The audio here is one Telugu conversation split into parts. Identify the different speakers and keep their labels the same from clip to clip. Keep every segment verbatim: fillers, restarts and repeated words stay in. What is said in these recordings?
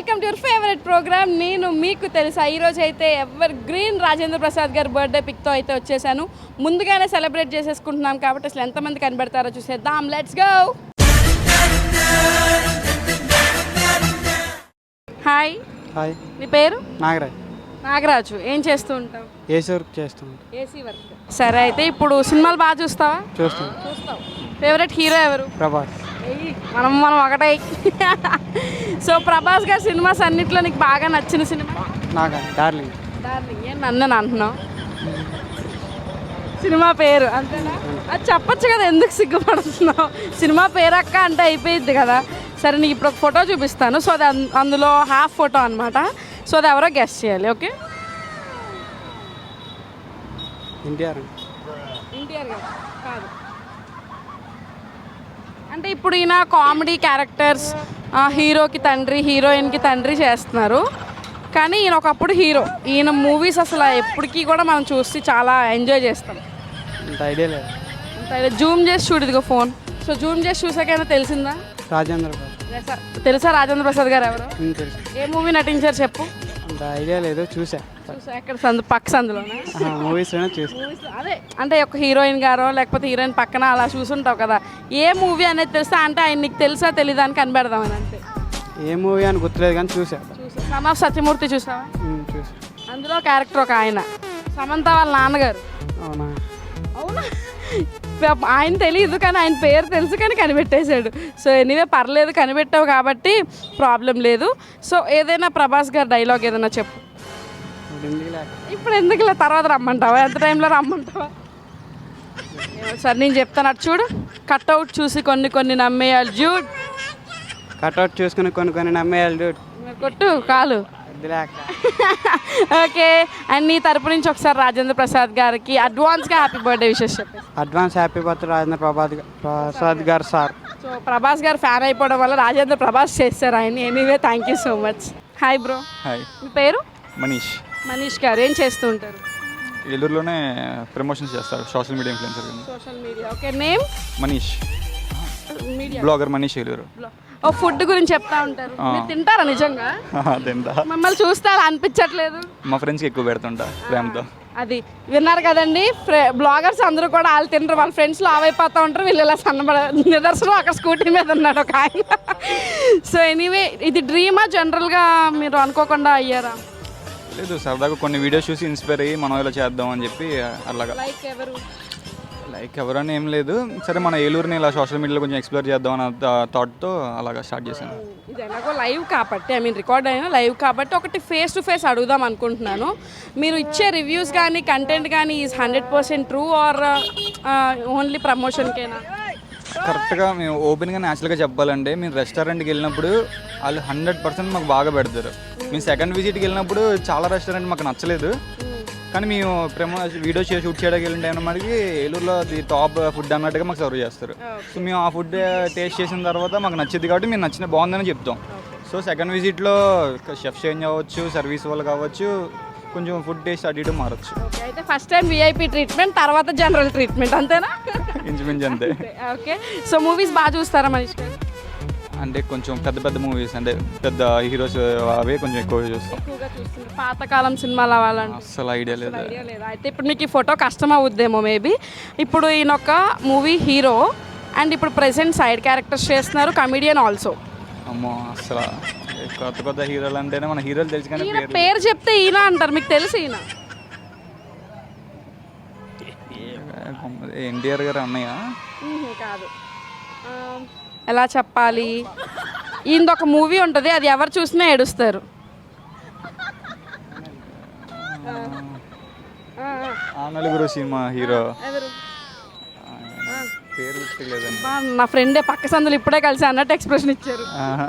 Speaker 1: Welcome to your favourite programme. నేను మీకు తెలుసా ఈరోజు అయితే ఎవర్ గ్రీన్ రాజేంద్ర ప్రసాద్ గారి బర్త్డే పిక్తో అయితే వచ్చేసాను. ముందుగానే సెలబ్రేట్ చేసేసుకుంటున్నాం కాబట్టి అసలు ఎంతమంది కనబడతారో చూసేద్దాం. Let's go. హాయ్.
Speaker 2: హాయ్.
Speaker 1: నీ పేరు?
Speaker 2: నాగరాజ్.
Speaker 1: నాగరాజు. ఏం చేస్తూ ఉంటావు?
Speaker 2: ఏసీ వర్క్ చేస్తూ ఉంటాను.
Speaker 1: AC work. సరే, అయితే ఇప్పుడు సినిమాలు బాగా చూస్తావా?
Speaker 2: చూస్తాను.
Speaker 1: చూస్తావు. ఫేవరెట్ హీరో ఎవరు?
Speaker 2: ప్రభాస్.
Speaker 1: మనం మనం ఒకటే. సో ప్రభాస్ గారి సినిమాస్ అన్నిట్లో నీకు బాగా నచ్చిన సినిమా?
Speaker 2: నాగా డార్లింగ్.
Speaker 1: డార్లింగ్. ఏం నన్ను అంటున్నావు? సినిమా పేరు అంతేనా? అది చెప్పచ్చు కదా, ఎందుకు సిగ్గుపడుతున్నావు? సినిమా పేరు అక్క అంటే అయిపోయింది కదా. సరే, నీకు ఇప్పుడు ఒక ఫోటో చూపిస్తాను. సో అది అందులో హాఫ్ ఫోటో అనమాట. సో అది ఎవరో గెస్ట్ చేయాలి. ఓకే.
Speaker 2: ఎన్టీఆర్.
Speaker 1: ఎన్టీఆర్ గారు కాదు. అంటే ఇప్పుడు ఈయన కామెడీ క్యారెక్టర్స్, హీరోకి తండ్రి హీరోయిన్కి తండ్రి చేస్తున్నారు. కానీ ఈయన ఒకప్పుడు హీరో. ఈయన మూవీస్ అసలు ఎప్పటికీ కూడా మనం చూసి చాలా ఎంజాయ్ చేస్తాం.
Speaker 2: అంత ఐడియా లేదు.
Speaker 1: అంత జూమ్ చేసి చూడు, ఇదిగో ఫోన్. సో జూమ్ చేసి చూసాకైనా తెలిసిందా?
Speaker 2: రాజేంద్ర ప్రసాద్.
Speaker 1: తెలుసా రాజేంద్ర ప్రసాద్ గారు ఎవరు?
Speaker 2: తెలుసు.
Speaker 1: ఏ మూవీ నటించారు చెప్పు.
Speaker 2: అంత ఐడియా లేదు. చూసా.
Speaker 1: చూసా. ఎక్కడ సందు పక్క సందులోనా?
Speaker 2: మూవీస్లోనే చూసా.
Speaker 1: అదే అంటే ఒక హీరోయిన్ గారో లేకపోతే హీరోయిన్ పక్కన అలా చూసుంటావు కదా. ఏ మూవీ అనేది తెలుసా అంటే ఆయన నీకు తెలుసా తెలీదా అని కనిపెడదామని అంతే.
Speaker 2: ఏ మూవీ అని గుర్తులేదు కానీ చూసా.
Speaker 1: చూసా. సన్ ఆఫ్ సత్యమూర్తి చూసావా?
Speaker 2: చూసా.
Speaker 1: అందులో క్యారెక్టర్ ఒక ఆయన సమంత వాళ్ళ నాన్నగారు.
Speaker 2: అవునా?
Speaker 1: అవునా? ఆయన తెలియదు కానీ ఆయన పేరు తెలుసు కానీ కనిపెట్టేశాడు. సో ఎనీవే పర్లేదు, కనిపెట్టావు కాబట్టి ప్రాబ్లం లేదు. సో ఏదైనా ప్రభాస్ గారి డైలాగ్ ఏదైనా చెప్పు. ఇప్పుడు ఎందుకులే, తర్వాత రమ్మంటావా? ఎంత టైంలో రమ్మంటావా? సరే నేను చెప్తాను. అటు చూడు. కట్అవుట్ చూసి కొన్ని కొన్ని నమ్మేయాలి. జూడ్.
Speaker 2: కట్అవుట్ చూసుకుని కొన్ని కొన్ని నమ్మేయాలి. జూడ్.
Speaker 1: కొట్టు కాలు. ఓకే. అండ్ నీ తరపు నుంచి ఒకసారి రాజేంద్ర ప్రసాద్ గారికి అడ్వాన్స్గా హ్యాపీ బర్త్డే విషెస్ చెప్పేసి.
Speaker 2: Advance happy birthday Rajendra Prabhat Prasad గారు సార్.
Speaker 1: సో ప్రభాస్ గారు ఫ్యాన్ అయిపోవడం వల్ల రాజేంద్ర ప్రభాస్ చేస్తారు ఆయన. Anyway thank you so much. Hi bro.
Speaker 3: Hi.
Speaker 1: మీ పేరు?
Speaker 3: మనీష్.
Speaker 1: మనీష్ గారు ఏం చేస్తూ ఉంటారు?
Speaker 3: ఏలూరులోనే ప్రమోషన్స్ చేస్తారు, social media influencer.
Speaker 1: Social media. Okay. Name?
Speaker 3: Manish.
Speaker 1: Media
Speaker 3: blogger Manish Eluru.
Speaker 1: ఓ ఫుడ్ గురించి చెప్తా ఉంటారు. మీరు తింటారా నిజంగా?
Speaker 3: తింటా.
Speaker 1: మమ్మల్ని చూస్తే అలా అనిపించట్లేదు.
Speaker 3: మా ఫ్రెండ్స్కి ఎక్కువ పెడుతుంటా ప్రేమతో.
Speaker 1: అది విన్నారు కదండి, బ్లాగర్స్ అందరూ కూడా వాళ్ళు తింటారు, వాళ్ళ ఫ్రెండ్స్లో ఆవైపోతూ ఉంటారు, వీళ్ళు ఇలా సన్నబడ. నిదర్శనం అక్కడ స్కూటీ మీద ఉన్నాడు ఒక ఆయన. సో ఎనీవే, ఇది డ్రీమా జనరల్గా మీరు అనుకోకుండా అయ్యారా?
Speaker 3: లేదు, సరదాగా కొన్ని వీడియోస్ చూసి ఇన్స్పైర్ అయ్యి మనం ఇలా చేద్దాం అని చెప్పి అలాగా.
Speaker 1: లైక్ ఎవరు?
Speaker 3: లైక్ ఎవరని ఏం లేదు, సరే మన ఏలూరుని ఇలా సోషల్ మీడియాలో కొంచెం ఎక్స్ప్లోర్ చేద్దాం అన్న థాట్తో అలాగా స్టార్ట్ చేశాను.
Speaker 1: ఇది ఎలాగో లైవ్ కాబట్టి, ఐ మీన్ రికార్డ్ అయినా లైవ్ కాబట్టి ఒకటి ఫేస్ టు ఫేస్ అడుగుదాం అనుకుంటున్నాను. మీరు ఇచ్చే రివ్యూస్ కానీ కంటెంట్ కానీ is hundred percent true or only ప్రమోషన్కేనా?
Speaker 3: కరెక్ట్గా మేము ఓపెన్గా న్యాచురల్గా చెప్పాలంటే, మీరు రెస్టారెంట్కి వెళ్ళినప్పుడు వాళ్ళు హండ్రెడ్ పర్సెంట్ మాకు బాగా పెడతారు. మేము సెకండ్ విజిట్కి వెళ్ళినప్పుడు చాలా రెస్టారెంట్ మాకు నచ్చలేదు, కానీ మేము ప్రమో వీడియో షూట్ చేయడానికి వెళ్ళిన టైం మనకి ఏలూరులో ది టాప్ ఫుడ్ అన్నట్టుగా మాకు సర్వ్ చేస్తారు. సో మేము ఆ ఫుడ్ టేస్ట్ చేసిన తర్వాత మాకు నచ్చింది కాబట్టి మేము నచ్చిన బాగుందని చెప్తాం. సో సెకండ్ విజిట్లో షెఫ్ చేంజ్ అవ్వచ్చు, సర్వీస్ వాళ్ళు కావచ్చు, కొంచెం ఫుడ్ టేస్ట్ అటు ఇటు మారచ్చు.
Speaker 1: అయితే ఫస్ట్ టైం విఐపీ ట్రీట్మెంట్, తర్వాత జనరల్ ట్రీట్మెంట్, అంతేనా?
Speaker 3: ఇంచుమించు అంతే.
Speaker 1: ఓకే. సో మూవీస్ బాగా చూస్తారా మనీష్ గారు?
Speaker 3: అంటే కొంచెం పెద్ద పెద్ద మూవీస్ అంటే పెద్ద హీరోస్ అవే కొంచెం ఎక్కువ చూస్తాం.
Speaker 1: పాతకాలం సినిమాలు అవ్వాలంటే
Speaker 3: అసలు ఐడియా లేదు.
Speaker 1: ఐడియా లేదు. అయితే ఇప్పుడు మీకు ఈ ఫోటో కష్టం అవుద్దేమో మేబీ. ఇప్పుడు ఈయన ఒక మూవీ హీరో అండ్ ఇప్పుడు ప్రెసెంట్ సైడ్ క్యారెక్టర్స్ చేస్తున్నారు, కమిడియన్ ఆల్సో.
Speaker 3: అమ్మో, అసలు కొత్త కొత్త హీరోలు అంటేనే మన హీరోలు తెలుసు కానీ
Speaker 1: పేరు చెప్తే ఈయన అంటారు. మీకు తెలుసు ఈయన?
Speaker 3: ఎన్టీఆర్ గారు అన్నయ్య
Speaker 1: కాదు. ఎలా చెప్పాలి, ఈయనది ఒక మూవీ ఉంటుంది, అది ఎవరు చూసినా ఏడుస్తారు.
Speaker 3: ఆ నలుగురు సినిమా హీరో పేరు గుర్తులేదండి.
Speaker 1: నా ఫ్రెండే పక్క సందులు ఇప్పుడే కలిసి అన్నట్టు ఎక్స్ప్రెషన్ ఇచ్చారు.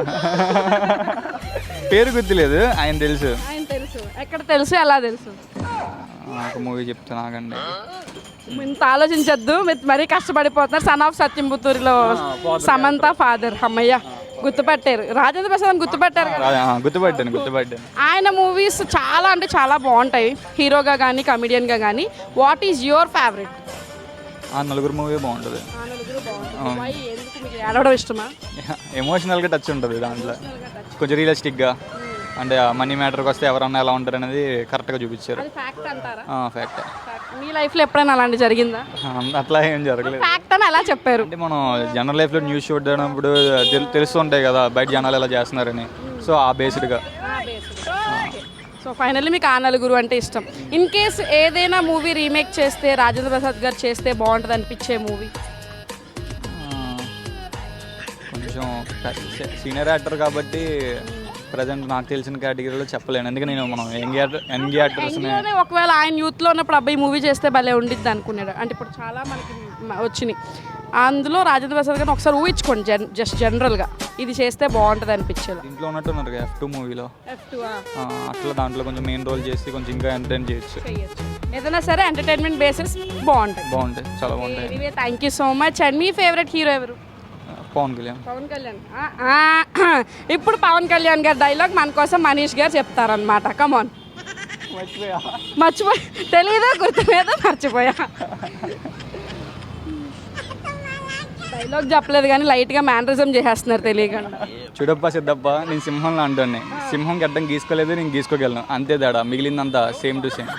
Speaker 3: పేరు గుర్తులేదు, ఆయన తెలుసు.
Speaker 1: ఆయన తెలుసు. ఎక్కడ తెలుసు, ఎలా తెలుసు?
Speaker 3: ఒక మూవీ చెప్తాను ఆగండి.
Speaker 1: ఇంత ఆలోచించద్దు, మరీ కష్టపడిపోతున్నారు. సన్ ఆఫ్ సత్యంపుత్తూరులో సమంత ఫాదర్. అమ్మయ్య, గుర్తుపట్టారు. రాజేంద్ర ప్రసాద్ గుర్తుపట్టారు కదా?
Speaker 3: గుర్తుపట్టాను గుర్తుపట్టాను
Speaker 1: ఆయన మూవీస్ చాలా అంటే చాలా బాగుంటాయి, హీరోగా కానీ కమిడియన్గా కానీ. What is your favourite?
Speaker 3: Aa Naluguru movie బాగుంటుంది.
Speaker 1: ఏడవడం ఇష్టమా?
Speaker 3: ఎమోషనల్గా టచ్ ఉంటుంది దాంట్లో, కొంచెం రియలిస్టిక్గా. అంటే మనీ మ్యాటర్కి వస్తే ఎవరన్నా ఎలా ఉంటారు అనేది కరెక్ట్గా చూపించారు.
Speaker 1: అది ఫ్యాక్ట్ అంటారా?
Speaker 3: ఫ్యాక్ట్.
Speaker 1: మీ లైఫ్లో ఎప్పుడైనా అలాంటి జరిగిందా?
Speaker 3: అట్లా ఏం జరగలేదు.
Speaker 1: ఫ్యాక్ట్ అని ఎలా చెప్పారు?
Speaker 3: అంటే మనం జనరల్ లైఫ్లో న్యూస్ చూడనప్పుడు తెలు తెలుస్తుంటాయి కదా బయట జనాలు ఎలా చేస్తున్నారని. సో ఆ బేస్డ్గా.
Speaker 1: సో ఫైనల్లీ మీకు ఆ నలుగురు అంటే ఇష్టం. ఇన్ కేస్ ఏదైనా మూవీ రీమేక్ చేస్తే రాజేంద్ర ప్రసాద్ గారు చేస్తే బాగుంటుంది అనిపించే మూవీ?
Speaker 3: కొంచెం సీనియర్ యాక్టర్ కాబట్టి ప్రజెంట్ నాకు తెలిసిన కేటగిరీలో చెప్పలేను. ఎందుకంటే నేను మనం యంగ్ యాక్టర్ యంగ్ యాక్టర్స్ని
Speaker 1: ఒకవేళ ఆయన యూత్లో ఉన్నప్పుడు అబ్బాయి మూవీ చేస్తే భలే ఉండిద్ది అనుకున్నాడు. అంటే ఇప్పుడు చాలా మనకి మ- వచ్చినాయి. అందులో రాజేంద్ర ప్రసాద్ గారిని ఒకసారి ఊహించుకోండి, జన్ జస్ట్ జనరల్గా ఇది చేస్తే బాగుంటుంది అనిపించేది.
Speaker 3: ఇంట్లో ఉన్నట్టున్నారు ఎఫ్ టూ మూవీలో. అట్లా దాంట్లో కొంచెం మెయిన్ రోల్ చేసి కొంచెం ఇంకా ఎంటర్టైన్ చేయొచ్చు.
Speaker 1: ఏదైనా సరే ఎంటర్టైన్మెంట్ బేసిస్ బాగుంటుంది.
Speaker 3: బాగుంటాయి, చాలా బాగుంటాయి.
Speaker 1: Anyway thank you so much. And మీ ఫేవరెట్ హీరో ఎవరు?
Speaker 3: పవన్ కళ్యాణ్.
Speaker 1: పవన్ కళ్యాణ్. ఆ, ఆ, ఇప్పుడు పవన్ కళ్యాణ్ గారి డైలాగ్ మన కోసం మనీష్ గారు చెప్తారనమాట. కమాన్. మర్చిపోయా, తెలీదా, గుర్తులేదా, మర్చిపోయా. డైలాగ్ చెప్పలేదు కానీ లైట్గా మేనరిజం చేసేస్తున్నారు తెలియకుండా.
Speaker 3: చూడప్ప సిద్ధప్ప, నేను సింహంలో అంటాను. సింహం గడ్డం గీసుకోలేదు, నేను గీసుకోగలను, అంతే తేడా. మిగిలిందంతా సేమ్ టు సేమ్.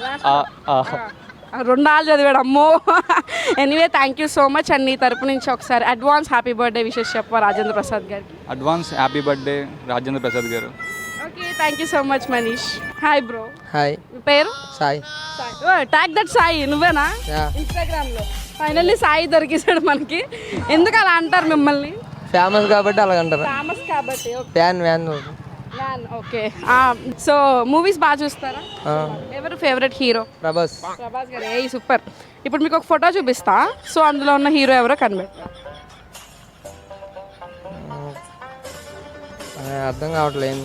Speaker 1: రెండు ఆళ్ళు చదివాడు అమ్మో. Anyway thank you so much. And నీ తరపు నుంచి ఒకసారి అడ్వాన్స్ హ్యాపీ బర్త్డే విషెస్ చెప్ప రాజేంద్ర ప్రసాద్ గారికి.
Speaker 3: Advance happy birthday Rajendra Prasad గారు.
Speaker 1: Okay thank you so much Manish. Hi bro.
Speaker 4: Hi.
Speaker 1: మీ పేరు?
Speaker 4: సాయి.
Speaker 1: ట్యాగ్ దట్ సాయి నువ్వేనా? ఇన్స్టాగ్రామ్ లో ఫైనల్లీ సాయి దొరికేసాడు మనకి. ఎందుకు అలా అంటారు మిమ్మల్ని?
Speaker 4: ఫేమస్ కాబట్టి అలాగంటారు.
Speaker 1: ఫేమస్ కాబట్టి.
Speaker 4: Fan van.
Speaker 1: Okay. So movies బాగా చూస్తారా? ఎవరు ఫేవరెట్ హీరో?
Speaker 4: ప్రభాస్.
Speaker 1: ప్రభాస్ గారు. ఏ సూపర్. ఇప్పుడు మీకు ఒక ఫోటో చూపిస్తా, సో అందులో ఉన్న హీరో ఎవరో కనిపెట్టారు.
Speaker 4: అర్థం కావట్లేదు.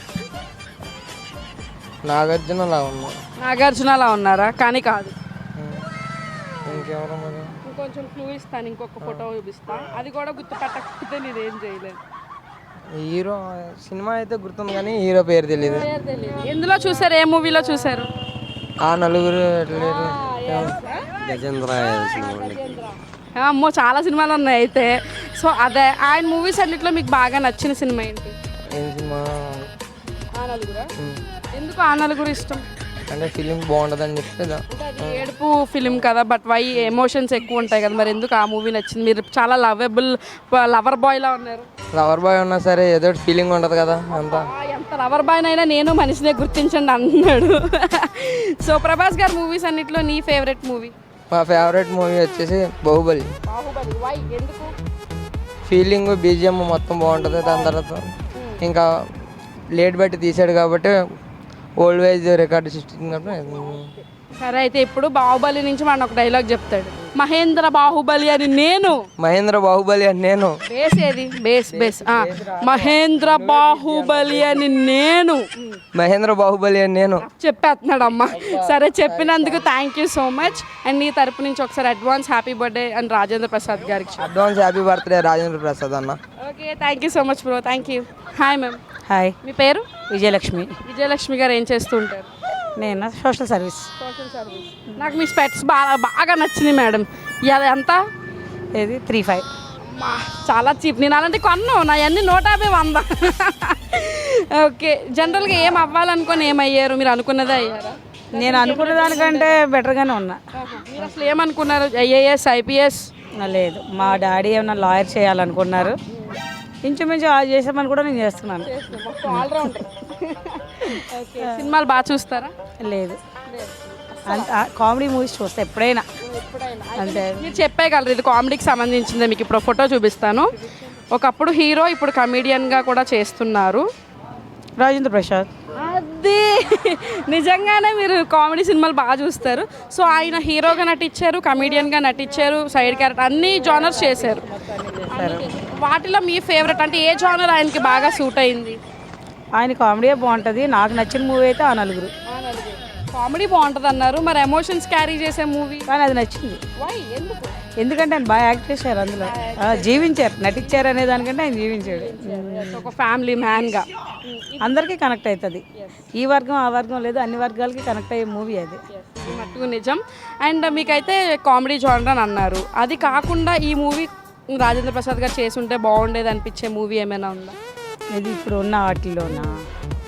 Speaker 4: నాగార్జున అలా ఉన్నా.
Speaker 1: నాగార్జున అలా ఉన్నారా? కానీ కాదు.
Speaker 4: ఇంకెవరు మరి?
Speaker 1: ఇంకొంచెం క్లూ ఇస్తాను, ఇంకొక ఫోటో చూపిస్తా, అది కూడా గుర్తుపట్టకపోతే నేనేం చేయలేను.
Speaker 4: హీరో సినిమా అయితే గుర్తుంది కానీ హీరో పేరు తెలియదు.
Speaker 1: ఎందులో చూసారు? ఏ మూవీలో చూసారు?
Speaker 4: ఆ నలుగురు
Speaker 2: గజేంద్ర.
Speaker 1: అమ్మో చాలా సినిమాలు ఉన్నాయి అయితే. సో అదే ఆయన మూవీస్ అన్నిట్లో మీకు బాగా నచ్చిన సినిమా ఏంటి?
Speaker 4: ఏం సినిమా?
Speaker 1: ఆ నలుగురా? ఎందుకు ఆ నలుగురు ఇష్టం?
Speaker 4: అంటే ఫిలిం బాగుంటుందని చెప్తే
Speaker 1: ఏడుపు ఫిలిం కదా, బట్ వై ఎమోషన్స్ ఎక్కువ ఉంటాయి కదా, మరి ఎందుకు ఆ మూవీ నచ్చింది? మీరు చాలా లవబుల్ లవర్ బాయ్లా ఉన్నారు.
Speaker 4: లవర్ బాయ్ ఉన్నా సరే ఏదో ఫీలింగ్ ఉంటుంది కదా అంతా.
Speaker 1: ఎంత లవర్ బాయ్ అయినా నేను మనిషినే గుర్తించండి అన్నాడు. సో ప్రభాస్ గారు మూవీస్ అన్నిట్లో నీ ఫేవరెట్ మూవీ?
Speaker 4: మా ఫేవరెట్ మూవీ వచ్చేసి బాహుబలి.
Speaker 1: బాహుబలి. వై? ఎందుకు?
Speaker 4: ఫీలింగ్ బీజిఎం మొత్తం బాగుంటుంది. దాని తర్వాత ఇంకా లేట్ బట్టి తీసాడు కాబట్టి ఓల్డ్ వైజ్ రికార్డు సృష్టించినప్పుడు.
Speaker 1: సరే అయితే ఇప్పుడు బాహుబలి నుంచి మన ఒక డైలాగ్ చెప్తాడు. మహేంద్ర బాహుబలి అని నేను.
Speaker 4: మహేంద్ర బాహుబలి అని నేను.
Speaker 1: బేస్ ఏది? బేస్ బేస్ మహేంద్ర బాహుబలి అని నేను.
Speaker 4: మహేంద్ర బాహుబలి అని నేను
Speaker 1: చెప్పేస్తున్నాడు అమ్మ. సరే చెప్పినందుకు thank you so much. And నీ తరపు నుంచి ఒకసారి advance happy birthday and Rajendra Prasad గారికి.
Speaker 4: Advance happy birthday Rajendra Prasad అన్న.
Speaker 1: Okay thank you so much bro. Thank you. Hi ma'am.
Speaker 5: Hi.
Speaker 1: మీ పేరు?
Speaker 5: విజయలక్ష్మి.
Speaker 1: విజయలక్ష్మి గారు ఏం చేస్తూ ఉంటారు?
Speaker 5: నేను సోషల్ సర్వీస్.
Speaker 1: Social service. నాకు మీ స్పెట్స్ బాగా బాగా నచ్చినాయి మేడం. ఇది ఎంత?
Speaker 5: ఇది త్రీ ఫైవ్.
Speaker 1: అమ్మా చాలా చీప్. నేను అలాంటి కొన్నాను, నా అన్ని నూట యాభై వంద. ఓకే జనరల్గా ఏం అవ్వాలనుకొని ఏమయ్యారు? మీరు అనుకున్నదే అయ్యారా?
Speaker 5: నేను అనుకున్న దానికంటే బెటర్గానే ఉన్నా.
Speaker 1: మీరు అసలు ఏమనుకున్నారు? IAS IPS?
Speaker 5: లేదు, మా డాడీ ఏమన్నా లాయర్ చేయాలనుకున్నారు. ఇంచుమించు అది చేసామని కూడా నేను చేస్తున్నాను.
Speaker 1: సినిమాలు బాగా చూస్తారా?
Speaker 5: లేదు, కామెడీ మూవీస్ చూస్తా ఎప్పుడైనా. అంతే.
Speaker 1: మీరు చెప్పేయగలరు ఇది కామెడీకి సంబంధించిందే. మీకు ఇప్పుడు ఫోటో చూపిస్తాను. ఒకప్పుడు హీరో, ఇప్పుడు కమీడియన్గా కూడా చేస్తున్నారు.
Speaker 5: రాజేంద్ర ప్రసాద్.
Speaker 1: అది నిజంగానే మీరు కామెడీ సినిమాలు బాగా చూస్తారు. సో ఆయన హీరోగా నటించారు, కమీడియన్గా నటించారు, సైడ్ క్యారెక్టర్ అన్ని జానర్స్ చేశారు. వాటిలో మీ ఫేవరెట్ అంటే ఏ జానర్ ఆయనకి బాగా సూట్ అయింది?
Speaker 5: ఆయన కామెడీ బాగుంటుంది. నాకు నచ్చిన మూవీ అయితే ఆ నలుగురు.
Speaker 1: కామెడీ బాగుంటుంది అన్నారు, మరి ఎమోషన్స్ క్యారీ చేసే మూవీ
Speaker 5: కానీ అది నచ్చింది.
Speaker 1: వై? ఎందుకు?
Speaker 5: ఎందుకంటే ఆయన బాగా యాక్ట్ చేశారు, అందులో జీవించారు, నటించారు అనే దానికంటే ఆయన జీవించాడు.
Speaker 1: ఒక ఫ్యామిలీ మ్యాన్గా
Speaker 5: అందరికీ కనెక్ట్ అవుతుంది. ఈ వర్గం ఆ వర్గం లేదు, అన్ని వర్గాలకి కనెక్ట్ అయ్యే మూవీ అది.
Speaker 1: మట్టుకు నిజం. అండ్ మీకైతే కామెడీ జానర్ అని అన్నారు, అది కాకుండా ఈ మూవీ రాజేంద్ర ప్రసాద్ గారు చేసి ఉంటే బాగుండేది అనిపించే మూవీ ఏమైనా ఉందా?
Speaker 5: ఇది ఇప్పుడు ఉన్న వాటిల్లోనా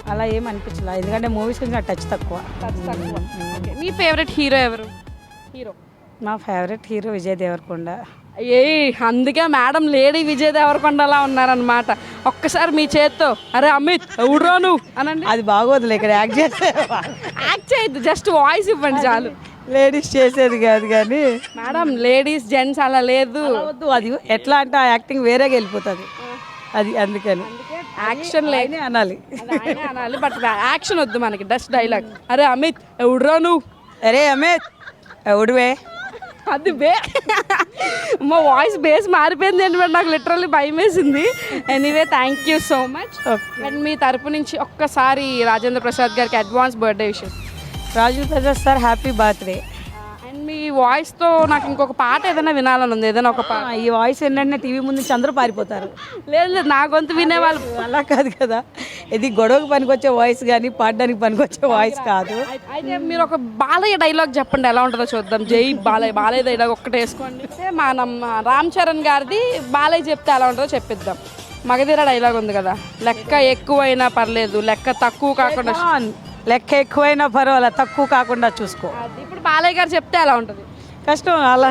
Speaker 5: అలా ఏం అనిపించలే, ఎందుకంటే మూవీస్ కొంచెం టచ్ తక్కువ.
Speaker 1: ఓకే, మీ ఫేవరెట్ హీరో ఎవరు? హీరో
Speaker 5: మా ఫేవరెట్ హీరో విజయ్ దేవరకొండ.
Speaker 1: ఏ అందుకే మేడం లేడీ విజయ్ దేవరకొండలా ఉన్నారనమాట. ఒక్కసారి మీ చేత్తో అరే అమిత్ ఎవడురా నువ్వు అనండి.
Speaker 5: అది బాగోదులే, ఇక్కడ యాక్ట్ చేస్తే
Speaker 1: యాక్ట్ చేయొద్దు, జస్ట్ వాయిస్ ఇవ్వండి చాలు.
Speaker 5: లేడీస్ చేసేది కాదు కానీ
Speaker 1: మేడం లేడీస్ జెంట్స్ అలా లేదు.
Speaker 5: వద్దు, అది ఎట్లా అంటే ఆ యాక్టింగ్ వేరేగా వెళ్ళిపోతుంది, అది అందుకని
Speaker 1: యాక్షన్
Speaker 5: లేని అనాలి.
Speaker 1: అది ఆయనే అనాలి, బట్ యాక్షన్ వద్దు మనకి, జస్ట్ డైలాగ్. అరే అమిత్ ఎవడురా నువ్వు.
Speaker 5: అరే అమిత్ ఎవడువే.
Speaker 1: అది బే మా వాయిస్ బేస్ మారిపోయింది ఏంటంటే నాకు లిటరల్లీ భయం వేసింది. Anyway thank you so much. And మీ తరపు నుంచి ఒక్కసారి రాజేంద్ర ప్రసాద్ గారికి అడ్వాన్స్ బర్త్డే విషయం.
Speaker 5: Rajendra Prasad sir happy birthday.
Speaker 1: And మీ వాయిస్తో నాకు ఇంకొక పాట ఏదైనా వినాలని ఉంది, ఏదైనా ఒక పాట.
Speaker 5: ఈ వాయిస్ ఏంటంటే టీవీ ముందు నుంచి అందరూ పారిపోతారు.
Speaker 1: లేదు లేదు, నా గొంతు వినేవాళ్ళు.
Speaker 5: అలా కాదు కదా, ఇది గొడవకు పనికొచ్చే వాయిస్ కానీ పాడడానికి పనికొచ్చే వాయిస్ కాదు.
Speaker 1: అయితే మీరు ఒక బాలయ్య డైలాగ్ చెప్పండి, ఎలా ఉంటుందో చూద్దాం. జై బాలయ్య, బాలయ్య డైలాగ్ ఒక్కటే వేసుకోండి. అంటే మనం రామ్ చరణ్ గారిది బాలయ్య చెప్తే ఎలా ఉంటుందో చెప్పిద్దాం. మగధీర డైలాగ్ ఉంది కదా, లెక్క ఎక్కువైనా పర్లేదు లెక్క తక్కువ కాకుండా.
Speaker 5: లెక్క ఎక్కువైనా పర్వాలేదు తక్కువ కాకుండా చూసుకో.
Speaker 1: అది ఇప్పుడు బాలయ్య గారు చెప్తే ఎలా ఉంటుంది?
Speaker 5: కష్టం అలా.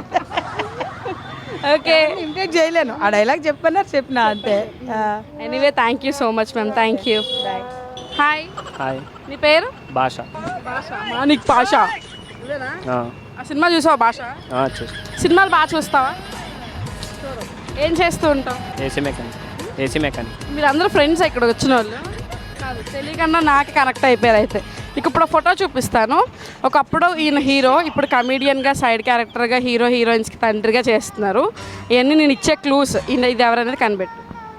Speaker 1: ఓకే,
Speaker 5: ఇంటేక్ చేయలేను, ఆ డైలాగ్ చెప్పన్నారు చెప్పిన అంతే.
Speaker 1: Anyway thank you so much ma'am, thank you. Hi.
Speaker 6: Hi.
Speaker 1: నీ పేరు?
Speaker 6: భాష.
Speaker 1: భాష, మానిక్ భాష. ఆ సినిమా చూసావా భాష?
Speaker 6: చూసి
Speaker 1: సినిమాలు బాగా చూస్తావా? ఏం చేస్తూ ఉంటావు?
Speaker 6: AC mechanic. AC mechanic.
Speaker 1: మీరు అందరూ ఫ్రెండ్స్ ఇక్కడ వచ్చిన వాళ్ళు కాదు, తెలియకుండా నాకు కనెక్ట్ అయిపోయారు. అయితే మీకు ఇప్పుడు ఫోటో చూపిస్తాను. ఒకప్పుడు ఈయన హీరో, ఇప్పుడు కమీడియన్గా సైడ్ క్యారెక్టర్గా హీరో హీరోయిన్స్కి తండ్రిగా చేస్తున్నారు. ఇవన్నీ నేను ఇచ్చే క్లూస్, ఈయన ఇది ఎవరనేది కనిపెట్టు.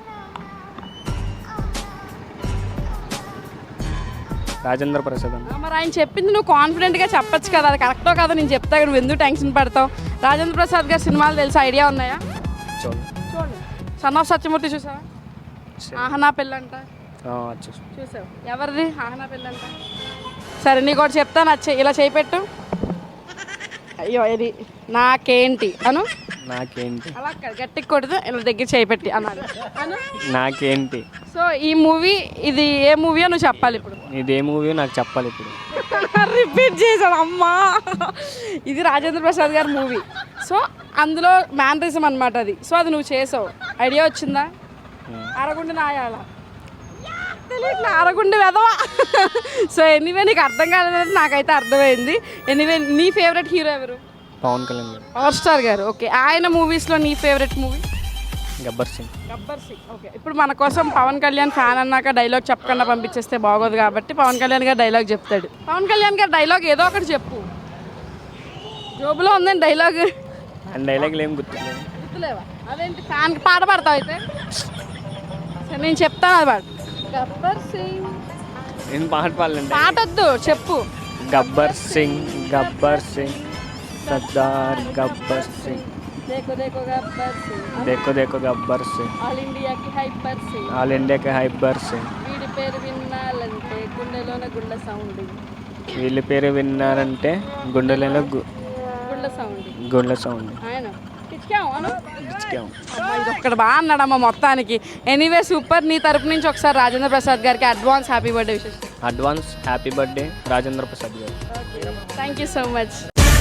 Speaker 6: రాజేంద్ర ప్రసాద్.
Speaker 1: మరి ఆయన చెప్పింది నువ్వు కాన్ఫిడెంట్గా చెప్పొచ్చు కదా, అది కరెక్టో కాదో నేను చెప్తా, నువ్వు ఎందుకు టెన్షన్ పడతావు? రాజేంద్ర ప్రసాద్ గారి సినిమాలు తెలిసి ఐడియా ఉన్నాయా?
Speaker 6: చూడండి.
Speaker 1: చూడండి. సన్ ఆఫ్ సత్యమూర్తి చూసావా? ఆహనా పెళ్ళంట చూసావు? ఎవరిది ఆహనా పెళ్ళంట? సరే నీకు ఒకటి చెప్తాను, అది ఇలా చేపెట్టు. అయ్యో ఇది నాకేంటి అను.
Speaker 6: నాకేంటి.
Speaker 1: అలా గట్టి కొడుతూ ఇలా దగ్గర చేపెట్టి అన్నాను అను.
Speaker 6: నాకేంటి.
Speaker 1: సో ఈ మూవీ ఇది ఏ మూవీయో నువ్వు చెప్పాలి ఇప్పుడు.
Speaker 6: ఇదే మూవీ నాకు చెప్పాలి ఇప్పుడు.
Speaker 1: రిపీట్ చేశాడు అమ్మా. ఇది రాజేంద్ర ప్రసాద్ గారి మూవీ. సో అందులో మ్యానరిజం అనమాట అది. సో అది నువ్వు చేసావు, ఐడియా వచ్చిందా? అరగుండి నాయాల తెలియట్లా, అరగుండి వెదవా. సో ఎనీవే నీకు అర్థం కాలేదంటే నాకైతే అర్థమైంది. ఎనీవే నీ ఫేవరెట్ హీరో ఎవరు?
Speaker 6: పవన్ కళ్యాణ్ గారు.
Speaker 1: పవర్ స్టార్ గారు. ఓకే, ఆయన మూవీస్లో నీ favourite movie?
Speaker 6: Gabbar Singh.
Speaker 1: Gabbar Singh. Okay, ఇప్పుడు మన కోసం పవన్ కళ్యాణ్ ఫ్యాన్ అన్నాక డైలాగ్ చెప్పకుండా పంపించేస్తే బాగోదు కాబట్టి పవన్ కళ్యాణ్ గారు డైలాగ్ చెప్తాడు. పవన్ కళ్యాణ్ గారు డైలాగ్ ఏదో ఒకటి చెప్పు. జోబులో ఉందండి డైలాగ్.
Speaker 6: డైలాగులు ఏం గుర్తులేదు.
Speaker 1: గుర్తులేవా? అదేంటి ఫ్యాన్కి పాట పాడతావు అయితే? సరే నేను చెప్తాను, అది పాడు. గబ్బర్ సింగ్.
Speaker 6: నేను పాట పాడలేండి.
Speaker 1: పాటొద్దు, చెప్పు.
Speaker 6: గబ్బర్ సింగ్ గబ్బర్ సింగ్ సర్దార్ గబ్బర్ సింగ్.
Speaker 1: देखो देखो गब्बर सिंह,
Speaker 6: देखो देखो गब्बर सिंह,
Speaker 1: ఆల్ ఇండియాకి హైపర్ సింగ్,
Speaker 6: ఆల్ ఇండియాకి హైపర్ సింగ్.
Speaker 1: వీడి పేరు వినాలంటే గుండెలోన గుళ్ళ సౌండ్.
Speaker 6: వీళ్ళ పేరు విన్నారంటే గుండెలలో గు-
Speaker 1: గుళ్ళ సౌండ్.
Speaker 6: గుండె సౌండ్.
Speaker 1: ఆయన పిచ్చాం అను.
Speaker 6: ఇచ్చాం.
Speaker 1: ఇది ఒక్కడు బాగా అన్నాడమ్మా మొత్తానికి. Anyway super. నీ తరపు నుంచి ఒకసారి రాజేంద్ర ప్రసాద్ గారికి advance happy birthday wishes.
Speaker 6: Advance happy birthday Rajendra Prasad గారు.
Speaker 1: Thank you so much.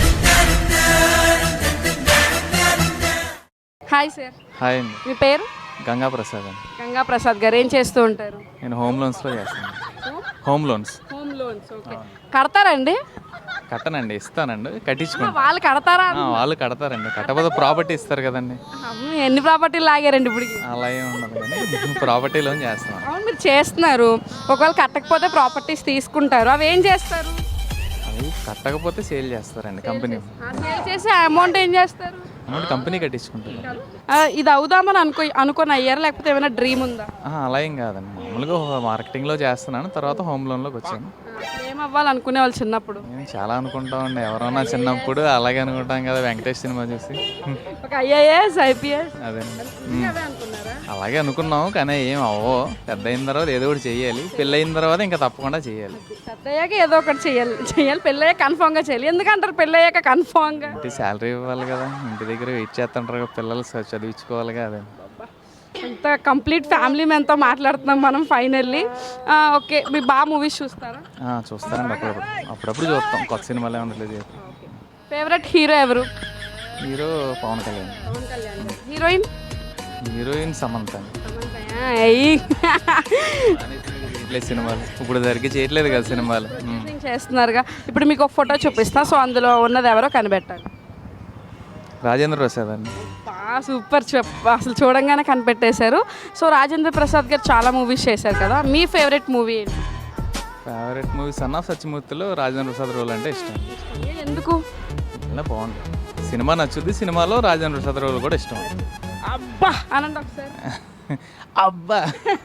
Speaker 1: Hi sir.
Speaker 7: Hi అండి.
Speaker 1: మీ పేరు?
Speaker 7: గంగా ప్రసాద్ అండి.
Speaker 1: గంగా ప్రసాద్ గారు ఏం చేస్తూ ఉంటారు?
Speaker 7: నేను హోమ్ లోన్స్లో చేస్తాను. Home loans
Speaker 1: home loans. Okay, కడతారండి?
Speaker 7: కట్టనండి, ఇస్తానండి, కట్టించుకుంటాను.
Speaker 1: వాళ్ళు కడతారా?
Speaker 7: వాళ్ళు కడతారండి, కట్టకపోతే ప్రాపర్టీ ఇస్తారు కదండి.
Speaker 1: అమ్మ, ఎన్ని ప్రాపర్టీలు లాగారండి ఇప్పుడు?
Speaker 7: అలా ఏమి ఉండదు కానీ ప్రాపర్టీ లోన్ చేస్తాను.
Speaker 1: అవును, మీరు చేస్తున్నారు. ఒకవేళ కట్టకపోతే ప్రాపర్టీస్ తీసుకుంటారు, అవి ఏం చేస్తారు?
Speaker 7: అవి కట్టకపోతే సేల్ చేస్తారండి కంపెనీ.
Speaker 1: సేల్ చేసి అమౌంట్ ఏం చేస్తారు?
Speaker 7: అమౌంట్ కంపెనీ కట్టించుకుంటారు.
Speaker 1: ఆ, ఇది అవుదామని అనుకో అనుకొని అయ్యారా, లేకపోతే ఏమైనా డ్రీమ్ ఉందా?
Speaker 7: ఆహా, అలా ఏం కాదండి, మామూలుగా మార్కెటింగ్లో చేస్తున్నాను, తర్వాత హోమ్ లోన్లోకి వచ్చాను.
Speaker 1: ఏం అవ్వాలనుకునే వాళ్ళు చిన్నప్పుడు?
Speaker 7: నేను చాలా అనుకుంటామండి, ఎవరన్నా చిన్నప్పుడు అలాగే అనుకుంటాం కదా, వెంకటేష్ సినిమా చూసి.
Speaker 1: ఒక ఐఏఎస్ ఐపీఎస్
Speaker 7: అదే
Speaker 1: అవే అనుకున్నారా?
Speaker 7: అలాగే అనుకున్నాం, కానీ ఏం అవ్వో. పెద్ద అయిన తర్వాత ఏదో ఒకటి చెయ్యాలి, పెళ్ళి అయిన తర్వాత ఇంకా తప్పకుండా చేయాలి.
Speaker 1: పెద్దయ్యాక ఏదో ఒకటి చేయాలి చేయాలి పెళ్ళయ్యాక కన్ఫామ్గా చేయాలి. ఎందుకంటారు పెళ్ళయ్యాక కన్ఫామ్గా?
Speaker 7: ఇంటి శాలరీ ఇవ్వాలి కదా, ఇంటి దగ్గర వెయిట్ చేస్తుంటారు కదా, పిల్లలు చ- చదివించుకోవాలి కదా.
Speaker 1: ఇంత కంప్లీట్ ఫ్యామిలీ మెంతో మాట్లాడుతున్నాం మనం ఫైనల్లీ. ఓకే, మీరు బాగా మూవీస్ చూస్తారా?
Speaker 7: ఆ, చూస్తానండి అప్పుడప్పుడు అప్పుడప్పుడు చూస్తాం కొత్త సినిమాలు ఏమైనా రిలీజ్ అయితే.
Speaker 1: ఫేవరెట్ హీరో ఎవరు?
Speaker 7: Hero Pawan Kalyan,
Speaker 1: heroine?
Speaker 7: Heroine Samantha అండి.
Speaker 1: ఏయ్.
Speaker 7: చేయట్లేదు సినిమాలు, ఇప్పుడు దగ్గరికి చేయట్లేదు కదా సినిమాలు. ఉమ్.
Speaker 1: చేస్తున్నారుగా. ఇప్పుడు మీకు ఒక ఫోటో చూపిస్తా, సో అందులో ఉన్నది ఎవరో కనిపెట్టాలి.
Speaker 7: రాజేంద్ర ప్రసాద్ అండి.
Speaker 1: సూపర్, చెప్ప అసలు చూడంగానే కనిపెట్టేశారు. సో రాజేంద్ర ప్రసాద్ గారు చాలా మూవీస్ చేశారు కదా, మీ ఫేవరెట్ మూవీ ఏంటి?
Speaker 7: ఫేవరెట్ మూవీ సన్ ఆఫ్ సత్యమూర్తిలో రాజేంద్ర ప్రసాద్ రోల్ అంటే ఇష్టం.
Speaker 1: ఏ, ఎందుకు?
Speaker 7: ఇలా బాగుంటుంది సినిమా, నచ్చుద్ది. సినిమాలో రాజేంద్ర ప్రసాద్ రోల్ కూడా ఇష్టం.
Speaker 1: అబ్బా అనండి ఒకసారి.
Speaker 7: అబ్బా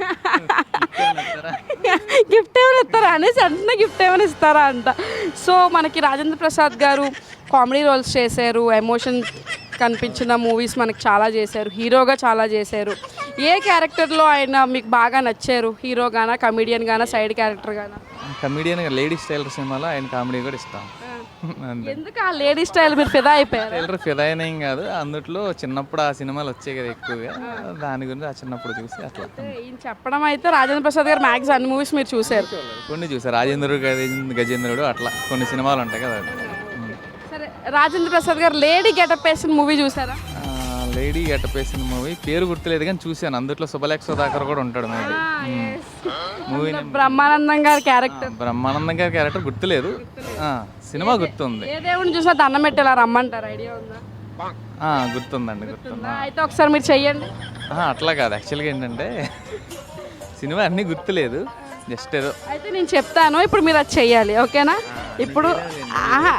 Speaker 1: గిఫ్ట్ ఏమైనా ఇస్తారా అనేసి అంటున్నా, గిఫ్ట్ ఏమైనా ఇస్తారా అంట. సో మనకి రాజేంద్ర ప్రసాద్ గారు కామెడీ రోల్స్ చేశారు, ఎమోషన్ కనిపించిన మూవీస్ మనకి చాలా చేశారు, హీరోగా చాలా చేశారు. ఏ క్యారెక్టర్లో ఆయన మీకు బాగా నచ్చారు? హీరో గానా, కమెడియన్ గానా, సైడ్ క్యారెక్టర్ గానా?
Speaker 7: కమెడియన్ లేడీ స్టైలర్ సినిమాలో ఆయన కామెడీ కూడా ఇష్టం. అంతే.
Speaker 1: ఎందుకు ఆ లేడీ స్టైల్ మీరు ఫిదా అయిపోయారు?
Speaker 7: టైలర్ ఫిదా అయిన ఏం కాదు, అందుట్లో చిన్నప్పుడు ఆ సినిమాలు వచ్చాయి కదా ఎక్కువగా, దాని గురించి ఆ చిన్నప్పుడు చూసి అట్లా
Speaker 1: ఈయన చెప్పడం అయితే రాజేంద్ర ప్రసాద్ గారు మ్యాక్స్ అన్ని మూవీస్ మీరు చూశారు.
Speaker 7: కొన్ని చూసారు. రాజేంద్రుడు గజేంద్ర- గజేంద్రుడు అట్లా కొన్ని సినిమాలు ఉంటాయి కదా. ఉమ్.
Speaker 1: సరే, రాజేంద్ర ప్రసాద్ గారు లేడీ గెటప్ వేసిన మూవీ చూసారా?
Speaker 7: ఆ, లేడీ గెటప్ వేసిన మూవీ పేరు గుర్తులేదు కానీ చూశాను. అందుట్లో శుభలేఖ సుధాకర్ కూడా ఉంటాడు మేబీ. మూవీ
Speaker 1: బ్రహ్మానందం గారి క్యారెక్టర్.
Speaker 7: బ్రహ్మానందం గారి క్యారెక్టర్ గుర్తులేదు, ఆ, సినిమా గుర్తుంది.
Speaker 1: ఏ దేవుడిని చూసినా దండం పెట్టేలా రమ్మంటారు, ఐడియా ఉందా?
Speaker 7: ఆ, గుర్తుందండి, గుర్తుంది.
Speaker 1: అయితే ఒకసారి మీరు చెయ్యండి.
Speaker 7: ఆ, అట్లా కాదు, యాక్చువల్గా ఏంటంటే సినిమా అన్నీ గుర్తులేదు, జస్ట్ ఏదో
Speaker 1: అయితే నేను చెప్తాను, ఇప్పుడు మీరు అది చెయ్యాలి, ఓకేనా? ఇప్పుడు ఆహా.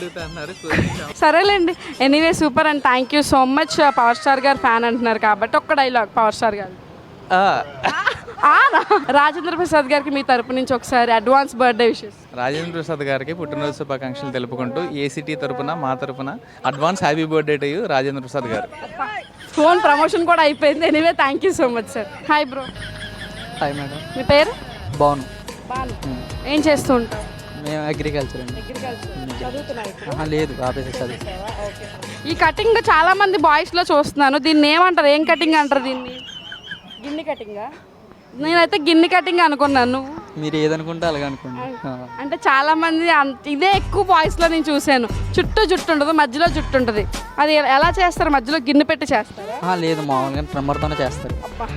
Speaker 1: సరేలేండి. Anyway super and thank you so much. Power star గారు ఫ్యాన్ అంటున్నారు కాబట్టి ఒక్క డైలాగ్ పవర్ స్టార్ గారు. ఆ, రాజేంద్ర ప్రసాద్ గారికి మీ తరపు నుంచి ఒకసారి advance birthday wishes.
Speaker 7: Rajendra Prasad గారికి పుట్టినరోజు శుభాకాంక్షలు తెలుపుకుంటూ ఏసీటీ తరపున మా తరపున advance happy birthday to you Rajendra Prasad గారు.
Speaker 1: ఫోన్ ప్రమోషన్ కూడా అయిపోయింది. Anyway thank you so much sir. Hi bro.
Speaker 2: Hi madam.
Speaker 1: మీ పేరు?
Speaker 2: బాను.
Speaker 1: బాను. ఏం చేస్తూ ఉంటారు?
Speaker 2: మేము అగ్రికల్చర్ అండి.
Speaker 1: చదువుతున్నారు?
Speaker 2: లేదు, ఆఫీసర్ చదువు.
Speaker 1: ఈ కటింగ్ చాలా మంది బాయ్స్ లో చూస్తున్నాను, దీన్ని ఏమంటారు? ఏం కటింగ్ అంటారు దీన్ని? గిన్ని కటింగా? నేనైతే గిన్ని కటింగ్ అనుకున్నాను. నువ్వు?
Speaker 2: మీరు ఏదనుకుంటే అలాగే అనుకోండి.
Speaker 1: అంటే చాలా మంది అంత ఇదే ఎక్కువ బాయ్స్ లో నేను చూశాను. చుట్టూ జుట్టు ఉంటుంది, మధ్యలో జుట్టు ఉంటుంది. అది ఎలా చేస్తారు? మధ్యలో గిన్నె పెట్టి చేస్తారా?
Speaker 2: లేదు, మామూలుగా ట్రిమ్మర్తోనే చేస్తారు.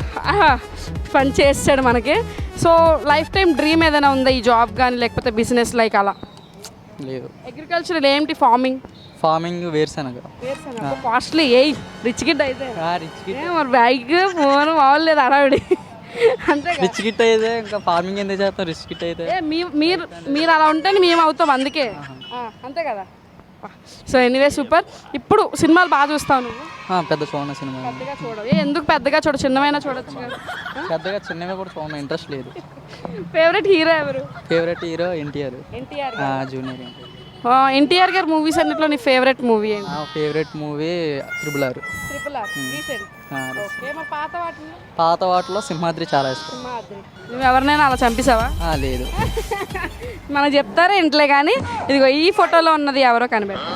Speaker 1: పని చేస్తాడు మనకి. సో లైఫ్ టైం డ్రీమ్ ఏదైనా ఉందా ఈ జాబ్ కానీ, లేకపోతే బిజినెస్ లైక్ అలా?
Speaker 2: లేదు.
Speaker 1: అగ్రికల్చర్ ఏంటి? ఫార్మింగ్?
Speaker 2: ఫార్మింగ్ వేరుశనగ.
Speaker 1: కాస్ట్లీ. ఏ రిచ్ గిడ్ అయితే
Speaker 2: రిచ్ కిట్
Speaker 1: మరి బ్యాగ్ ఫోన్ బాగోలేదు అడవిడి అంతే.
Speaker 2: రిచ్ కిట్ అయితే ఇంకా ఫార్మింగ్ ఎందుకు చేస్తాం? రిచ్ కిట్ అయితే
Speaker 1: మీరు మీరు అలా ఉంటేనే మేము అవుతాం, అందుకే. ఆ, అంతే కదా. So anyway super. ఇప్పుడు సినిమాలు బాగా చూస్తావు నువ్వు?
Speaker 2: పెద్ద చూడండి సినిమా.
Speaker 1: పెద్దగా చూడవు? ఏ, ఎందుకు పెద్దగా చూడ, చిన్నమైనా చూడొచ్చు కదా.
Speaker 2: పెద్దగా చిన్నగా కూడా చూడండి, ఇంట్రెస్ట్ లేదు.
Speaker 1: ఫేవరెట్ హీరో ఎవరు?
Speaker 2: Favourite hero NTR.
Speaker 1: NTR.
Speaker 2: Junior NTR.
Speaker 1: NTR గారి మూవీస్ అన్నిట్లో నీ ఫేవరెట్ మూవీ ఏంటి?
Speaker 2: Favourite movie triple R.
Speaker 1: Triple R recent. Okay, మరి పాత వాటిలో?
Speaker 2: పాత వాటిలో సింహాద్రి చాలా ఇష్టం.
Speaker 1: సింహాద్రి. నువ్వు ఎవరినైనా అలా చంపేసావా?
Speaker 2: ఆ, లేదు.
Speaker 1: మనకు చెప్తారా ఇంట్లో కానీ. ఇదిగో ఈ ఫోటోలో ఉన్నది ఎవరో కనిపెట్టు.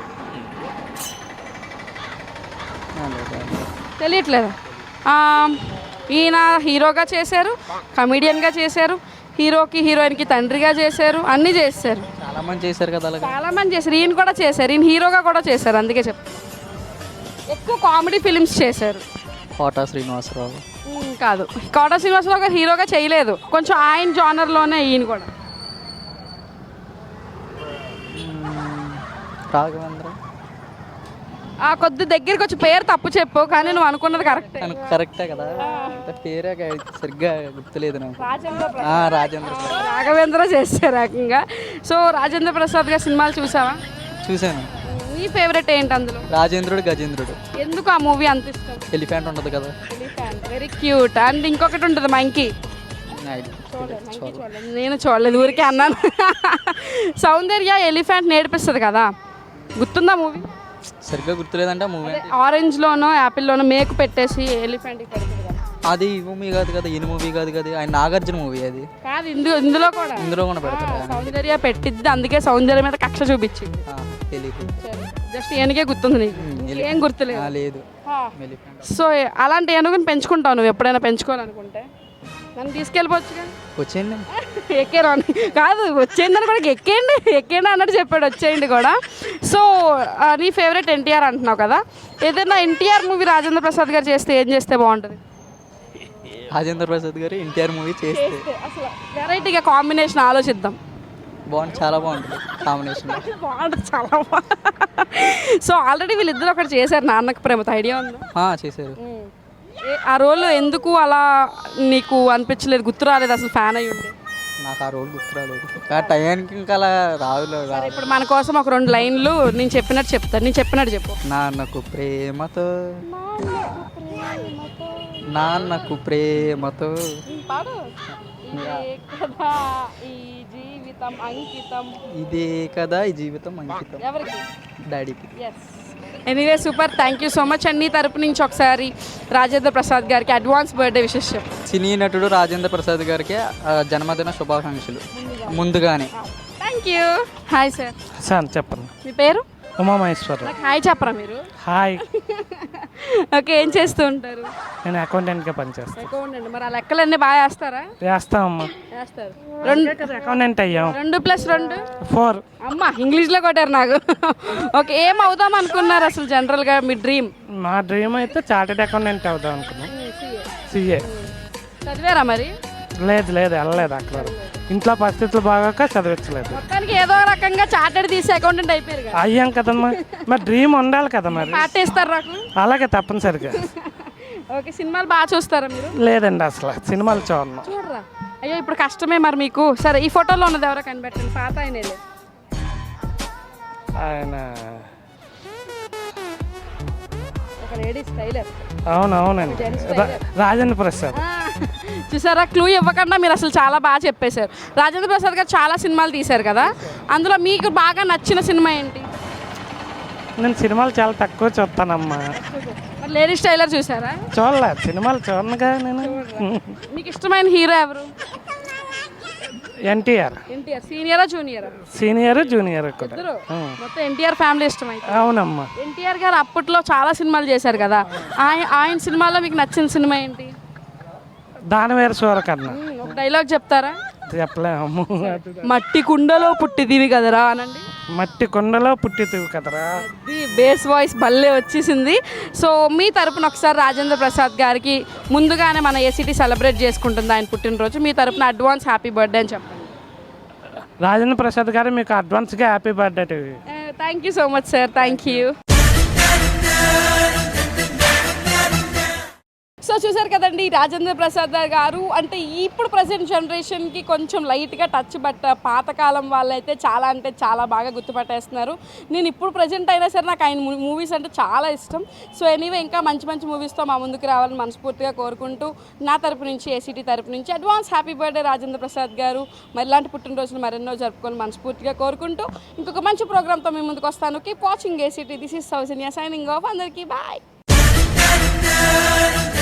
Speaker 1: తెలియట్లేదా? ఈయన హీరోగా చేశారు, కమెడియన్గా చేశారు, హీరోకి హీరోయిన్కి తండ్రిగా చేశారు, అన్నీ చేశారు.
Speaker 2: చాలా మంది చేశారు కదా అలాగే.
Speaker 1: చాలా మంది చేశారు. ఈయన కూడా చేశారు, ఈయన హీరోగా కూడా చేశారు, అందుకే చెప్తాను. ఎక్కువ కామెడీ ఫిలిమ్స్ చేశారు.
Speaker 2: కోటా శ్రీనివాసరావు.
Speaker 1: ఉమ్, కాదు, కోట శ్రీనివాసరావు గారు హీరోగా చేయలేదు, కొంచెం ఆయన జానర్లోనే ఈయన కూడా.
Speaker 2: రాఘవేంద్ర.
Speaker 1: ఆ కొద్ది దగ్గరికి వచ్చి పేరు తప్పు చెప్పు, కానీ నువ్వు అనుకున్నది కరెక్ట్.
Speaker 2: కరెక్టే కదా, పేరే సరిగ్గా గుర్తులేదు నాకు.
Speaker 1: రాజేంద్ర
Speaker 2: ఆ, రాజేంద్ర ప్రసాద్.
Speaker 1: రాఘవేంద్ర చేశారు ఏకంగా. సో రాజేంద్ర ప్రసాద్ గారి సినిమాలు చూసావా?
Speaker 2: చూశాను.
Speaker 1: నీ ఫేవరెట్ ఏంటి అందులో?
Speaker 2: రాజేంద్రుడు గజేంద్రుడు.
Speaker 1: ఎందుకు ఆ మూవీ అంత ఇష్టం?
Speaker 2: ఎలిఫెంట్ ఉంటుంది కదా.
Speaker 1: Very cute. అండ్ ఇంకొకటి ఉంటుంది మంకీ. నేను చూడలేదు, ఊరికే అన్నాను. సౌందర్య ఎలిఫెంట్ నేర్పిస్తుంది కదా, గుర్తుందా మూవీ?
Speaker 2: సరిగ్గా గుర్తులేదంటే మూవీ.
Speaker 1: ఆరెంజ్లోనో యాపిల్లోనో మేకు పెట్టేసి ఎలిఫెంట్
Speaker 2: అది ఈ మూవీ కాదు కదా, ఈ మూవీ కాదు కదా, ఆయన నాగార్జున మూవీ అది.
Speaker 1: కాదు, ఇందు ఇందులో కూడా
Speaker 2: ఇందులో కూడా పెడతారు.
Speaker 1: సౌందర్య పెట్టిద్ది, అందుకే సౌందర్య మీద కక్ష చూపించింది.
Speaker 2: తెలియదు.
Speaker 1: జస్ట్ ఏనుగే గుర్తుంది నీకు ఏం గుర్తులేదు
Speaker 4: లేదు
Speaker 1: ఆ. సో అలాంటి ఏనుగుని పెంచుకుంటావు నువ్వు ఎప్పుడైనా పెంచుకోవాలనుకుంటే నన్ను తీసుకెళ్ళిపోవచ్చుగా
Speaker 4: వచ్చేయండి
Speaker 1: ఎక్కారు అని కాదు వచ్చేయండి కూడా ఎక్కేయండి ఎక్కేయండి అన్నట్టు చెప్పాడు వచ్చేయండి కూడా. సో ఆ, నీ ఫేవరెట్ ఎన్టీఆర్ అంటున్నావు కదా, ఏదైనా ఎన్టీఆర్ మూవీ రాజేంద్ర ప్రసాద్ గారు చేస్తే ఏం చేస్తే బాగుంటుంది?
Speaker 4: రాజేంద్ర ప్రసాద్ గారు ఎన్టీఆర్ మూవీ చేస్తే
Speaker 1: చేస్తే అసలు వెరైటీగా కాంబినేషన్ ఆలోచిద్దాం.
Speaker 4: బాగుంది, చాలా బాగుంటుంది కాంబినేషన్.
Speaker 1: బాగుంటుంది చాలా బాగుంది. సో ఆల్రెడీ వీళ్ళిద్దరు ఒకటి చేశారు నాన్నకు ప్రేమతో, ఐడియా ఉందా?
Speaker 4: చేశారు.
Speaker 1: ఏ- ఆ రోల్ ఎందుకు అలా నీకు అనిపించలేదు, గుర్తు రాలేదు అసలు ఫ్యాన్ అయ్యి ఉండి?
Speaker 4: నాకు ఆ రోల్ గుర్తు రాలేదు, ఆ టైంకి ఇంకా అలా రాదు.
Speaker 1: సరే ఇప్పుడు మన కోసం ఒక రెండు లైన్లు నేను చెప్పినట్టు చెప్తాను, నేను చెప్పినట్టు చెప్పు.
Speaker 4: నాన్నకు ప్రేమతో నాన్నకు ప్రేమతో
Speaker 1: పాడు. ఇదే కదా ఈ జీవితం అంకితం.
Speaker 4: ఇదే కదా ఈ జీవితం అంకితం
Speaker 1: ఎవరికి?
Speaker 4: డాడీకి.
Speaker 1: Yes. Anyway super, thank you so much అండి. నీ తరపు నుంచి ఒకసారి రాజేంద్ర ప్రసాద్ గారికి అడ్వాన్స్ బర్త్డే విషెస్ చెప్పు.
Speaker 4: సినీ నటుడు రాజేంద్ర ప్రసాద్ గారికి ఆ, జన్మదిన శుభాకాంక్షలు ముందుగానే.
Speaker 1: Thank you. Hi sir.
Speaker 6: Sir చెప్పండి.
Speaker 1: మీ పేరు?
Speaker 6: ఉమామహేశ్వరరావు.
Speaker 1: నాకు హాయ్ చెప్పరా మీరు?
Speaker 6: హాయ్,
Speaker 1: ఓకే, ఏం చేస్తూ ఉంటారు?
Speaker 6: నేను అకౌంటెంట్గా పనిచేస్తాను.
Speaker 1: అకౌంటెంట్. మరి ఆ లెక్కలన్నీ బాగా వేస్తారా?
Speaker 6: వేస్తామమ్మా.
Speaker 1: వేస్తారు. రెండు
Speaker 6: అకౌంటెంట్ అయ్యాం.
Speaker 1: రెండు ప్లస్ రెండు
Speaker 6: ఫోర్.
Speaker 1: అమ్మ ఇంగ్లీష్లో కొట్టారు నాకు. ఓకే, ఏం అవుదాం అనుకున్నారు అసలు జనరల్గా మీ డ్రీమ్?
Speaker 6: మా డ్రీమ్ అయితే చార్టెడ్ అకౌంటెంట్ అవుదాం అనుకున్నాం. సిఏ.
Speaker 1: చదివారా మరి?
Speaker 6: లేదు లేదు వెళ్ళలేదు అక్కడ, ఇంట్లో పరిస్థితులు బాగాక చదివించలేదు.
Speaker 1: మొత్తానికి ఏదో రకంగా చార్టెడ్ తీసి అకౌంటెంట్ అయిపోయారు కదా.
Speaker 6: అయ్యాం కదమ్మా, మరి డ్రీమ్ ఉండాలి కదా మరి.
Speaker 1: పార్టీ ఇస్తారు నాకు.
Speaker 6: అలాగే తప్పనిసరిగా.
Speaker 1: ఓకే, సినిమాలు బాగా చూస్తారా మీరు?
Speaker 6: లేదండి అసలు సినిమాలు చూడను.
Speaker 1: చూడరా? అయ్యో ఇప్పుడు కష్టమే మరి మీకు. సరే ఈ ఫోటోలో ఉన్నది ఎవరో కనిపెట్టండి, పాత ఆయనేలే.
Speaker 6: ఆయన
Speaker 1: ఒక లేడీ స్టైలర్.
Speaker 6: అవునవునండి, రా- రాజేంద్ర ప్రసాద్.
Speaker 1: చూసారా, క్లూ ఇవ్వకుండా మీరు అసలు చాలా బాగా చెప్పేశారు. రాజేంద్ర ప్రసాద్ గారు చాలా సినిమాలు తీశారు కదా, అందులో మీకు బాగా నచ్చిన సినిమా ఏంటి?
Speaker 6: నేను సినిమాలు చాలా తక్కువ చూస్తానమ్మా.
Speaker 1: మరి లేడీ స్టైలర్ చూసారా?
Speaker 6: చూడలేదు, సినిమాలు చూడనుగా నేను.
Speaker 1: మీకు ఇష్టమైన హీరో ఎవరు?
Speaker 6: ఎన్టీఆర్.
Speaker 1: ఎన్టీఆర్. సీనియరా జూనియరా?
Speaker 6: సీనియర్ జూనియర్ కూడా.
Speaker 1: ఇద్దరు. మొత్తం ఎన్టీఆర్ ఫ్యామిలీ ఇష్టమైతే.
Speaker 6: అవునమ్మా.
Speaker 1: ఎన్టీఆర్ గారు అప్పట్లో చాలా సినిమాలు చేశారు కదా, ఆయన ఆయన సినిమాలో మీకు నచ్చిన సినిమా ఏంటి?
Speaker 6: దానవేర సూరకర్ణ.
Speaker 1: ఉమ్, ఒక డైలాగ్ చెప్తారా?
Speaker 6: చెప్పలేము.
Speaker 1: మట్టి కుండలో పుట్టిదివి కదరా అనండి.
Speaker 6: మట్టి కొండలో పుట్టితివి కదరా.
Speaker 1: అది బేస్ వాయిస్ భలే వచ్చేసింది. సో మీ తరపున ఒకసారి రాజేంద్ర ప్రసాద్ గారికి ముందుగానే మన ఏసీటీ సెలబ్రేట్ చేసుకుంటుంది ఆయన పుట్టినరోజు, మీ తరపున అడ్వాన్స్ హ్యాపీ బర్త్డే అని చెప్పండి.
Speaker 6: రాజేంద్ర ప్రసాద్ గారు మీకు అడ్వాన్స్గా happy birthday.
Speaker 1: Thank you so much sir, thank you. So చూసారు కదండి, రాజేంద్ర ప్రసాద్ గారు అంటే ఇప్పుడు ప్రజెంట్ జనరేషన్కి కొంచెం లైట్గా టచ్, బట్ పాతకాలం వాళ్ళైతే చాలా అంటే చాలా బాగా గుర్తుపట్టేస్తున్నారు. నేను ఇప్పుడు ప్రజెంట్ అయినా సరే నాకు ఆయన మూవీస్ అంటే చాలా ఇష్టం. సో ఎనీవే ఇంకా మంచి మంచి మూవీస్తో మా ముందుకు రావాలని మనస్ఫూర్తిగా కోరుకుంటూ నా తరపు నుంచి ఏసీటీ తరపు నుంచి advance happy birthday Rajendra Prasad గారు. మరి ఇలాంటి పుట్టినరోజులు మరెన్నో జరుపుకొని మనస్ఫూర్తిగా కోరుకుంటూ ఇంకొక మంచి ప్రోగ్రామ్తో మీ ముందుకు వస్తాను. Keep watching ACT. This is Soujanya signing off. అందరికీ బాయ్.